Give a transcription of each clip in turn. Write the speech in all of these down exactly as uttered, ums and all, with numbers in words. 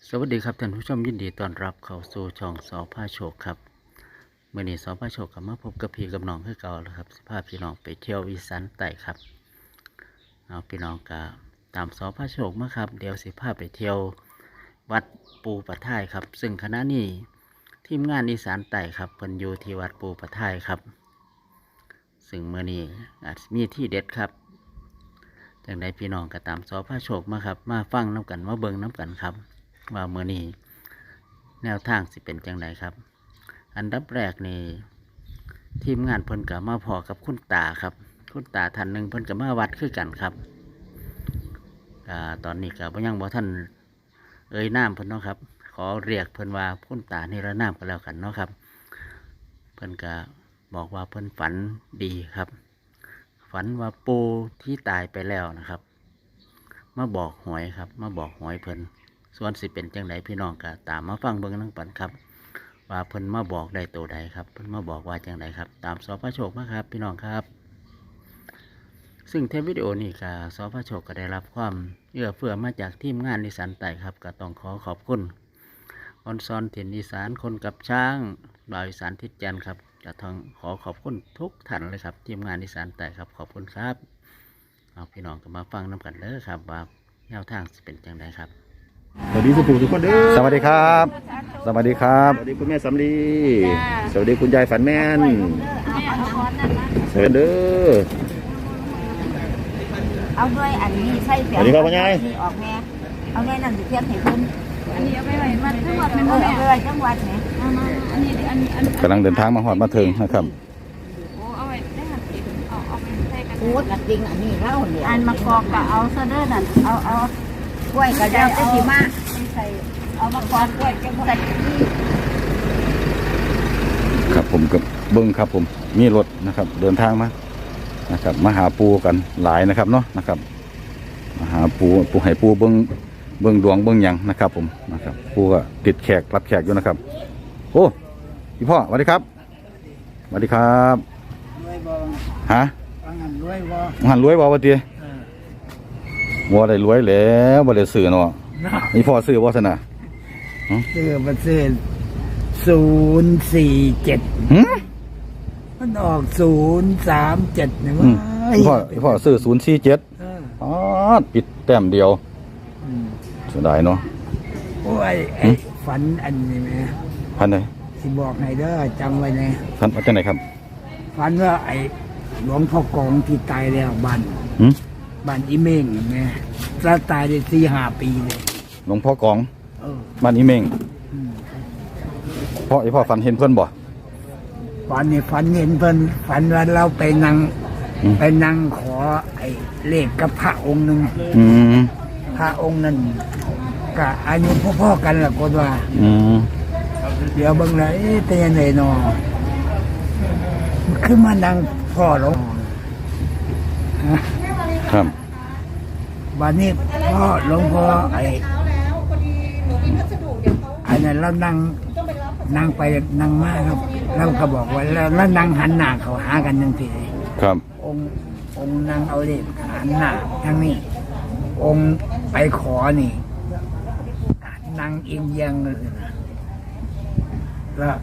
สวัสดีครับท่านผู้ชมยินดีต้อนรับเข้าสู่ช่องสอพาโชคครับเมื่อนี้สอพาโชคกับมาพบกับพี่กับน้องคือเก่าแล้วครับสภาพพี่น้องไปเที่ยวอีสานใต้ครับเอาพี่น้องกะตามสอพาโชคมาครับเดี๋ยวสิพาไปเที่ยววัดปูปะท่ายครับซึ่งคณะนี้ทีมงานอีสานใต้ครับเพิ่นอยู่ที่วัดปูปะท่ายครับซึ่งเมื่อนี้อาจมีที่เด็ดครับจังใดพี่น้องก็ตามสอพาโชคมาครับมาฟังน้ำกันมาเบิ่งน้ำกันครับว่าเมื่อนี้แนวทางสิเป็นจังไดครับอันดับแรกนี่ทีมงานเพิ่นกับมาพอกับคุณตาครับคุณตาท่านหนึ่งเพิ่นกับมาวัดคือกันครับอ่าตอนนี้กับยังบ่ท่านเอ่ยนามเพิ่นเนาะครับขอเรียกเพิ่นว่าคุณตานิรนามกันแล้วกันเนาะครับเพิ่นก็บอกว่าเพิ่นฝันดีครับฝันว่าปูที่ตายไปแล้วนะครับมาบอกหวยครับมาบอกหวยเพิ่นส่วนสิเป็นจังไดพี่น้องก็ตามมาฟังเบิ่งนั่งปันครับว่าเพิ่นมาบอกได้ตัวใดครับเพิ่นมาบอกว่าจังไดครับตามสพโชคมาครับพี่น้องครับซึ่งเทปวิดีโอนี้ก็สพโชคก็ได้รับความเอื้อเฟื้อมาจากทีมงานอีสานใต้ครับก็ต้องขอขอบคุณออนซอนถิ่นอีสานคนกับช้างบ่าวอีสานทิศจันทร์ครับก็ต้องขอขอบคุณทุกท่านเลยครับทีมงานอีสานใต้ครับขอบคุณครับเอาพี่น้องก็มาฟังน้ำกันเลยครับว่าแนวทางจะเป็นจังไดครับสวัสดีสุภูทุกคนเด้อสวัสดีครับ สวัสดีครับสวัสดีคุณแม่สำลีสวัสดีคุณยายฝันแม่นสวัสดีเด้อเอาด้วยอันนี้ใส่เสียงสวัสดีครับพ่อใหญ่ออกแม่เอาแม่นั่นสิเทียบให้เพิ่นอันนี้เอาไปไว้มาจังหวัดแม่เอบ่อแม่เอาไปไว้จังหวัดแม่เอามาอันนี้อันอันกำลังเดินทางมาหอดมาถึงนะครับโอ้เอาไว้ได้หันติเอาเอาไปใส่กันพูดละจริงอันนี้เล่าเนี่ยอันมากอกก็เอาซะเด้อนั่นเอาเอากล้วยก็ได้เอาสิมาใส่เอามากอกกล้วยจังหวัดครับผมกับเบิ้งครับผมมีรถนะครับเดินทางมานะครับมาหาปูกันหลายนะครับเนาะนะครับมาหาปูปูให้ปูเบิ้งเบิ้งดวงเบิ้งหยังนะครับผมนะครับปูก็ติดแขกรับแขกอยู่นะครับโอ้พี่พ่อสวัสดีครับสวัสดีครับฮะหันรวยบ่หันรวยบ่วะเตี้ยวัวได้รวยแล้วบ่ได้ซื้อเนาะนี่พ่อซื้อบ่ซะนะซื้อมาซื้อศูนย์สี่เจ็ดมันออกศูนย์สามเจ็ดเนี่ยว่าพ่อพ่อซื้อศูนย์สี่เจ็ดอ๋อปิดแต้มเดียวเสียดายเนาะโอ้ยไอ้ฝันอันนี้ไหมพันไหนสิบอกให้เด้อจำไว้นะพันเอาจากไหนครับฝันว่าไอ้หลวงพ่อกองที่ตายแล้วบ้านหืมบ้านอีเม่งไงแล้วตายได้สี่ห้าปีเลยหลวงพ่อกองเออบ้านอีเมงอืมพ่อไอพ่อฝันเห็นเพื่อนบ่ฝันนี่ฝันเห็นเพิ่นฝันว่าเราไปนั่งอืมไปนั่งขอไอ้เลขกับพระองค์หนึ่งอืมพระองค์นั้นก็อายุพ่อๆกันละคนว่าอืมเดี๋ยวเบิ่งเลยเป็นยังไงนอมันขึ้นมานั่งพ่อหลวงครับบัดนี้พ่อหลวงพ่อไอ้อันนั้นเรานั่งนั่งไปนั่งมาครับเราก็บอกว่าแล้วแล้วนั่งหันหน้าเขาหากันยังทีครับองค์องค์นั่งเอาเลขหันหน้าทางนี้ องค์ไปขอนี่นั่งเอียงเอียงเลยนะแล้ว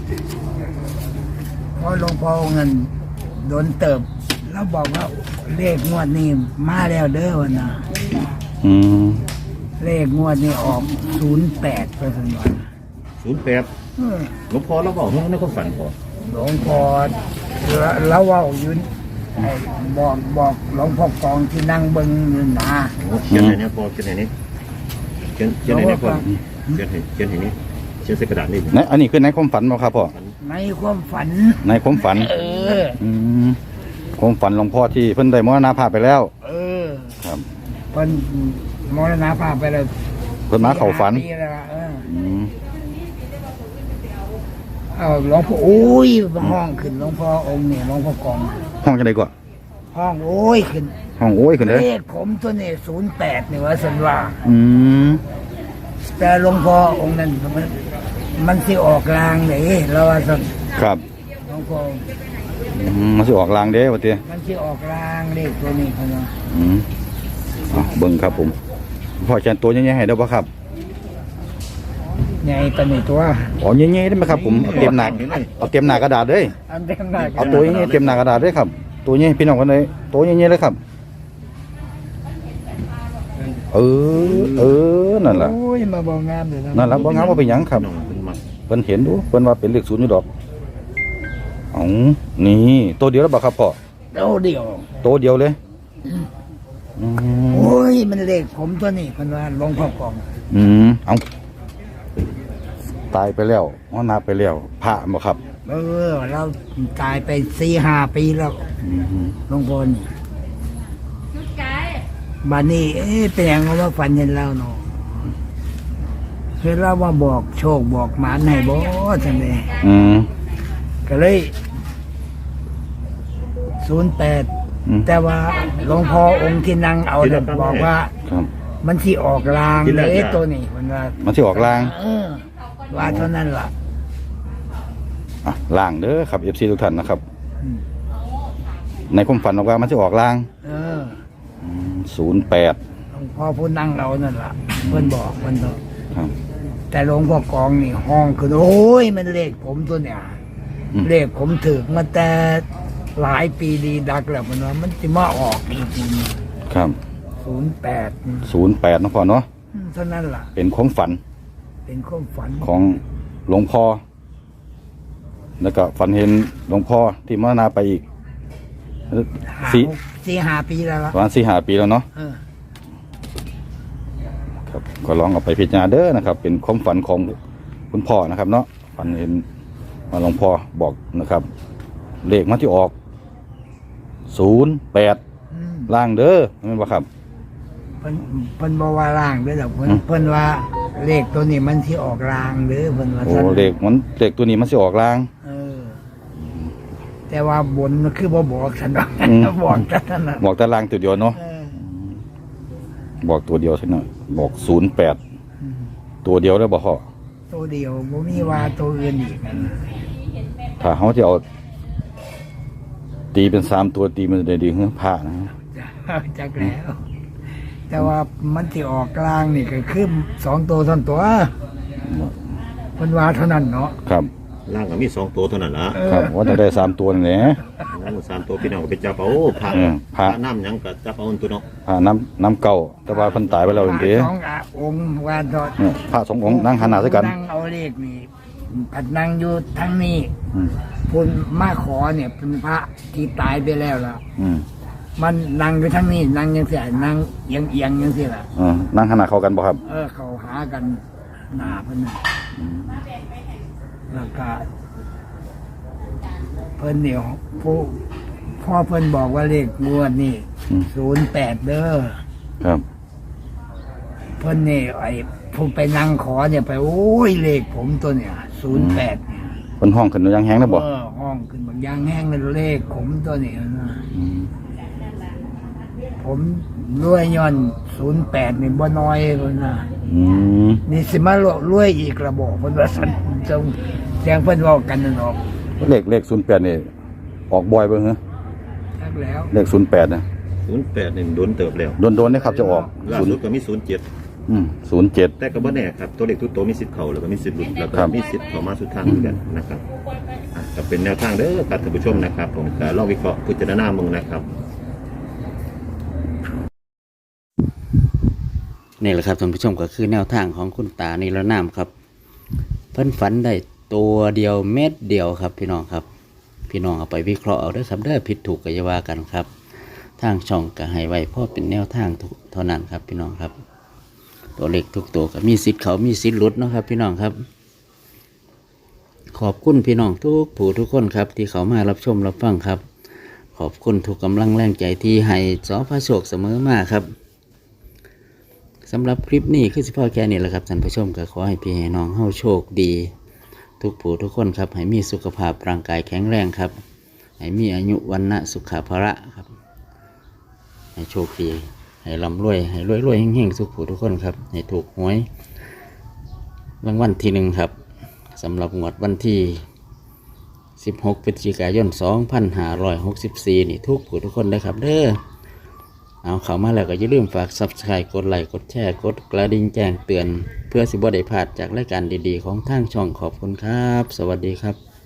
พอหลวงพ่อเงินโดนเติบ แล้วบอกว่าเลขงวดนี้มาแล้วเด้อวะนะอืมเลขงวดนี้ออกศูนย์แปดไปสันวันศูนย์แปดหลวงพ่อเราบอกให้ในความฝันพอหลวงพ่อแล้วว่าอยู่ไอ้บอกบอกหลวงพ่อกองที่นั่งเบิ้งอยู่นะเขียนไหนเนี่ยพอเขียนไหนนี่เขียนเขียนไหนเนี่ยพอเขียนไหนเขียนไหนนี่เขียนใส่กระดาษนี่ในอันนี้คือในความฝันบ่ครับพ่อในความฝันในความฝันเอออืมความฝันหลวงพ่อที่เพิ่นได้มรณภาพไปแล้วเออครับเพิ่นมรณภาพไปแล้วเพิ่นมาเข้าฝันสี่ห้ปีแล้วล่ะเอออืมเอาหลวงพ่อโอ้ยห้องขึ้นหลวงพ่อองค์นี่หลวงพ่อกองห้องจังได๋ก่อนห้องโอ้ยขึ้นห้องโอ้ยขึ้นเด้อเลขผมตัวนี้ศูนย์แปดนี่ว่าสันว่าอืมแต่หลวงพ่อองค์นั้นมันมันสิออกลางเลยเราว่าสันครับหลวงพ่ออืมมันสิออกลางเด้ว่าติมันสิออกลางเลขตัวนี้เขาเนาะอืมอ่ะเบิ่งครับผมพ่อแจนตัวยังไงให้ได้บ่ครับใหญ่ปานนี้ตัวอ๋อเงี้ยๆได้ไหมครับผมเอาเตรียมหนักเอาเตรียมหนากระดาษเลยอันเต็มหน้าเอาตัวเงี้ยๆเตรียมหนากระดาษเลยครับตัวเงี้ยพี่น้องกันเลยตัวเงี้ยๆเลยครับเออเออนั่นแหละโอ้ยมาบอกงามเลยนะนั่นแหละบ่งามว่าเป็นหยังครับน้องเป็นมักเพิ่นเห็นดูเพิ่นว่าเป็นเลขศูนย์อยู่ดอกอ๋อนี่ตัวเดียวแล้วบ่ครับพ่อเดียวเดียวตัวเดียวเลยอืมโอ้ยมันเลขผมตัวนี้เพิ่นว่าหลวงพ่อกองอืมเอาตายไปแล้วมรณะไปแล้วพระบ่ครับเออเราตายไปสี่ห้าปีแล้วอืมหลวงพ่อนี่ชุดไก่บัดนี้เอ๊ะเป็นหยังว่าฝันเห็นเราเนาะเห็นเราว่าบอกโชคบอกหมานให้บ่จังได๋อืมก็เลยศูนย์แปดอืมแต่ว่าหลวงพ่อองค์ที่นั่งเอาเนี่ยบอกว่าครับมันสิออกลางเอ๊ะตัวนี้มันว่ามันสิออกลางเออว่าเท่านั้นล่ะอ่ะล่างเด้อครับ เอฟ ซี ทุกท่านนะครับอืมในความฝันบอกว่ามันสิออกลางเออศูนย์แปดหลวงพ่อผู้นั่งเอานั่นล่ะเพิ่นบอกเพิ่นบอกครับแต่หลวงพ่อกองนี่ห้องคือโอ้ยมันเลขผมตัวเนี่ยอืมเลขผมถึกมาแต่หลายปีดีดักแล้วมันว่ามันจะมาออกจริงครับๆศูนย์แปดศูนย์แปดนะพ่อเนาะเท่านั้นล่ะเป็นของฝันเป็นความฝันของหลวงพ่อ แล้วก็ฝันเห็นหลวงพ่อที่มรณะไปอีกห้าสี่หกสี่ห้าปีแล้วล่ะประมาณสี่ห้าปีแล้วเนาะเออครับก็ลองเอาไปพิจารณาเด้อนะครับ เป็นความฝันของคุณพ่อนะครับ เนาะฝันเห็นว่าหลวงพ่อบอกนะครับ เลขมันที่ออกศูนย์แปดอืมล่างเด้อไม่นบ่ครับเพิ่นเพิ่นบอกว่าล่างเด้วยหรอกเพิ่นอืมเพิ่นว่าเลขตัวนี้มันที่ออกลางเด้อเพิ่นว่าโอ้ซั่นเลขมันเลขตัวนี้มันสิออกล่างเออ แต่ว่าบนมันคือบ่บอกฉันดอกอืมบอกแต่นั้นน่ะบอกแต่ล่างตัวเดียวเนาะเออบอกตัวเดียวใช่ไหมบอกศูนย์แปดอืมตัวเดียวได้บอกพ่อตัวเดียวบ่มีว่าตัวอื่นอีกนั่นน่ะถ้าเขาจะเอาตีเป็นสามตัวตีมันจะได้ดีขึ้นผ้านะจักแล้ว แต่ว่ามันที่ออกกลางนี่ก็คือสองตัวท่อนตัวเพิ่นว่าเท่านั้นเนาะครับล่างก็มีสองตัวเท่านั้นละเอครัอบว่าจะได้สามตัวนี่แหละโอ้สามตัวพี่น้องก็ไปจับเอาพระเออพระพระน้ำหยังก็จับเอาตัวเนาะผ้าน้ำน้ำเก่าแต่ว่าเพันตายไปแล้วเองเด้สองอ่ะองค์ว่าทอดเนี่ยผ้าสององค์นั่งหันหน้าใส่กันนั่งเอาเลขนี่ผัดนั่งอยู่ทั้งนี้อืมพุ่นมาขอเนี่ยเป็นพระที่ตายไปแล้วล่ะอืมมันนั่งอยู่ทั้งนี้นั่งยังเสียนั่งเอียงเอียงยังเสียล่ะเออนั่งหันหน้าเข้ากันบ่ครับเออเขาหากันหนาเพิ่นน่ะแล้วก็เพิ่นเดี๋ยวผู้พ่อเพิ่นบอกว่าเลขงวดนี่อืมศูนย์แปดเด้อครับเพิ่นนี่ไอ้ผู้ไปนั่งขอเนี่ยไปโอ้ยเลขผมตัวเนี่ยศูนย์แปดเนี่ยเป็นห้องขึ้นยังแห้งนะบ่เออห้องขึ้นบางยางแห้งเลยเลขผมตัวนี้นะอืมผมรวยย้อนศูนย์แปดนี่บ่น้อยเลยนะอืมนี่สิมารวยอีกระบอกเพิ่นว่าสันจงแจ้งเพิ่นเว้ากันนั่นออกเลขเลขศูนย์แปดนี่ออกบ่อยเบิ่งเหรอทักแล้วเลขศูนย์แปดนะศูนย์แปดนี่โดนเติบแล้วโดนๆนี่ครับจะออกล่าศูนสุดย์ก็มีศูนย์เจ็ดอืมศูนย์เจ็ดแต่ก็บ่แน่ครับตัวเลขทุกตัวมีสิทธิ์เข้าแล้วก็มีสิทธิ์หลุดแล้วก็ครับมีสิทธิ์เข้ามาสุดทางเหมือนกันนะครับอ่ะก็เป็นแนวทางเด้อครับท่านผู้ชมนะครับ ผมก็ลองวิเคราะห์พิจารณามึงนะครับนี่แหละครับท่านผู้ชมก็คือแนวทางของคุณตานิรนามครับ เพิ่นฝันได้ตัวเดียวเม็ดเดียวครับพี่น้องครับ พี่น้องเอาไปวิเคราะห์เอาเด้อครับเด้อผิดถูกก็อย่าว่ากันครับ ทางช่องก็ให้ไว้เพราะเป็นแนวทางเท่านั้นครับพี่น้องครับ ตัวเลขทุกตัวก็มีสิทธิ์เขามีสิทธิ์หลุดเนาะครับ พี่น้องครับ ขอบคุณพี่น้องทุกผู้ทุกคนครับ ที่เขามารับชมรับฟังครับ ขอบคุณทุกกำลังแรงใจที่ให้สอพระโชคเสมอมาครับสำหรับคลิปนี้คือสิพ่อแค่นี้แหละครับท่านผู้ชมก็ขอให้พี่ให้น้องเฮาโชคดี ทุกผู้ทุกคนครับให้มีสุขภาพร่างกายแข็งแรงครับให้มีอายุวันนะสุขภาระครับให้โชคดีให้ร่ำรวยให้รวยรวยๆเฮงๆทุกผู้ทุกคนครับให้ถูกหวยรางวัลที่หนึ่งครับสำหรับงวดวันที่สิบหกพฤศจิกายนสองพันห้าร้อยหกสิบสี่นี่ทุกผู้ทุกคนเลยครับเด้อเอาเข้ามาแล้วก็อย่าลืมฝาก ซับสไครบ์ กดไลค์กดแชร์กดกระดิ่งแจ้งเตือน เพื่อสิบ่ได้พลาดจากรายการดีๆของทางช่องขอบคุณครับ สวัสดีครับ